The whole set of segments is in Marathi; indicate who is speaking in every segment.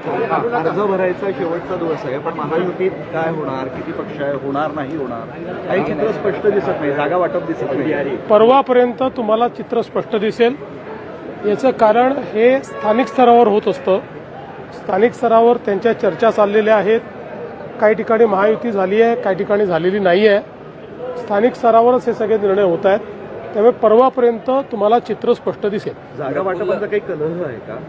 Speaker 1: अर्ज भरायचा शेवटचा दिवस आहे, पण महायुतीत काय होणार, किती पक्ष आहे, होणार नाही होणार, काही चित्र स्पष्ट दिसत नाही, जागा वाटप दिसत नाही.
Speaker 2: परवापर्यंत तुम्हाला चित्र स्पष्ट दिसेल. याचं कारण हे स्थानिक स्तरावर होत असतं. स्थानिक स्तरावर त्यांच्या चर्चा चाललेल्या आहेत. काही ठिकाणी महायुती झाली आहे, काही ठिकाणी झालेली नाही आहे. स्थानिक स्तरावरच हे सगळे निर्णय होत आहेत. त्यामुळे परवापर्यंत तुम्हाला चित्र स्पष्ट दिसेल.
Speaker 1: जागा वाटपाचा काही कलह आहे का?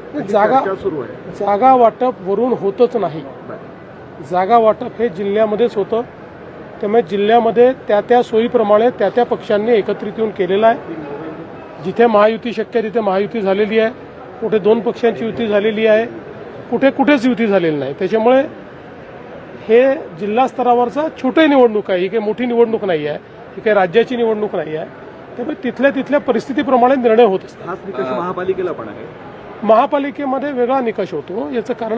Speaker 2: जागा वाटप वरून होतच नाही. जागा वाटप हे जिल्ह्यामध्येच होतं. त्यामुळे जिल्ह्यामध्ये त्या त्या सोयीप्रमाणे त्या त्या पक्षांनी एकत्रित येऊन केलेलं आहे. जिथे महायुती शक्य आहे तिथे महायुती झालेली आहे. कुठे दोन पक्षांची युती झालेली आहे, कुठेच युती झालेली नाही. त्याच्यामुळे हे जिल्हा स्तरावरचा छोटी निवडणूक आहे. ही काही मोठी निवडणूक नाही आहे, ही काही राज्याची निवडणूक नाही आहे. त्यामुळे तिथल्या परिस्थितीप्रमाणे निर्णय होत असतात.
Speaker 1: हाच निकष महापालिकेला पण आहे.
Speaker 2: महापालिकेमध्ये वेगळा निकष होतो. याचं कारण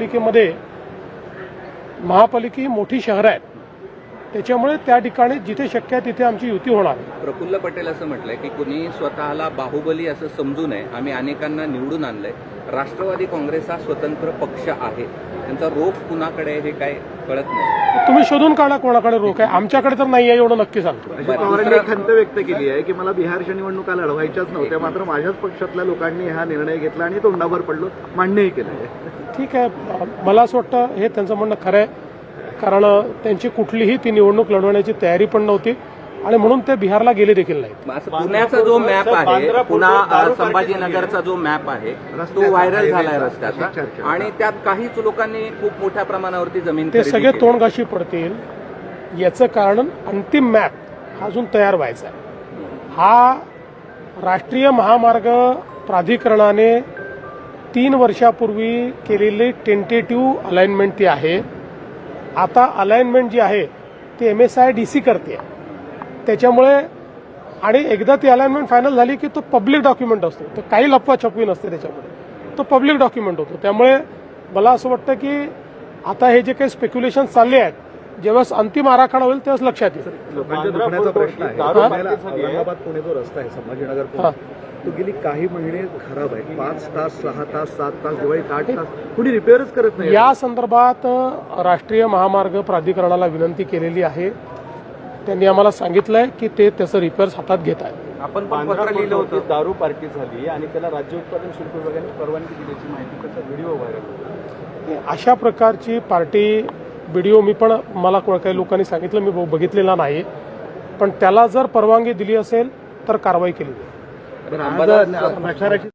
Speaker 2: महापालिका मोठी शहरं आहेत. त्याच्यामुळे त्या ठिकाणी जिथे शक्य आहे तिथे आमची युती होणार.
Speaker 3: प्रफुल्ल पटेल असं म्हटलंय की कुणी स्वतःला बाहुबली असं समजू नये. आम्ही अनेकांना निवडून आणलंय. राष्ट्रवादी काँग्रेस हा स्वतंत्र पक्ष आहे. त्यांचा रोख कुणाकडे हे काय कळत नाही.
Speaker 2: तुम्ही शोधून काढा कोणाकडे रोख आहे. आमच्याकडे तर नाही आहे एवढं नक्की सांगतो.
Speaker 1: अजित पवारांनी खंत व्यक्त केली आहे की मला बिहारच्या निवडणुका लढवायच्याच नव्हत्या, मात्र माझ्याच पक्षातल्या लोकांनी हा निर्णय घेतला आणि तोंडावर पडलो, मान्यही केलं आहे.
Speaker 2: ठीक आहे, मला असं वाटतं हे त्यांचं म्हणणं खरं आहे. कारण त्यांची कुठलीही ती निवडणूक लढवण्याची तयारी पण नव्हती आणि म्हणून ते बिहारला गेले देखील नाही.
Speaker 3: पुण्याचा जो मॅप आहे, पुन्हा संभाजीनगरचा जो मॅप आहे तो व्हायरल झालाय रस्त्याचा, आणि त्यात काहीच लोकांनी खूप मोठ्या प्रमाणावरती जमीन
Speaker 2: ते सगळे तोंडघाशी पडतील. याचं कारण अंतिम मॅप अजून तयार व्हायचा आहे. हा राष्ट्रीय महामार्ग प्राधिकरणाने 3 वर्षापूर्वी केलेली टेंटेटिव्ह अलाइनमेंट ती आहे. आता अलाइनमेंट जी आहे ती MSIDC करते. त्याच्यामुळे आणि एकदा ती अलाइनमेंट फायनल झाली की तो पब्लिक डॉक्युमेंट असतो. तर काही लपवाछपवी नसते त्याच्यामध्ये, तो पब्लिक डॉक्युमेंट होतो. त्यामुळे मला असं वाटतं की आता हे जे काही स्पेक्युलेशन चालले आहेत, जेव्हा अंतिम आराखडा होईल तेव्हाच लक्षात येईल.
Speaker 1: लोकांच्या दुखण्याचा प्रश्न आहे. औरंगाबाद पुणे जो रस्ता आहे संभाजीनगर, तो गेली काही महिने खराब आहे. 5 तास 6 तास 7 तास दिवाळीत 8 तास कुणी रिपेअरच करत नाही.
Speaker 2: या संदर्भात राष्ट्रीय महामार्ग प्राधिकरणाला विनंती केलेली आहे. त्यांनी आम्हाला सांगितलंय की ते त्याचं रिपेअर्स हातात घेत आहेत.
Speaker 1: आपण पत्र लिहिलं होतं, दारू पार्टी झाली आणि त्याला राज्य उत्पादन शुल्क विभागाने परवानगी दिल्याची माहिती, त्याचा व्हिडिओ व्हायरल.
Speaker 2: अशा प्रकारची पार्टी व्हिडिओ मला काही लोकांनी सांगितलं, मी बघितलेला नाही. पण त्याला जर परवानगी दिली असेल तर कारवाई केली जाईल.
Speaker 1: प्रचाराची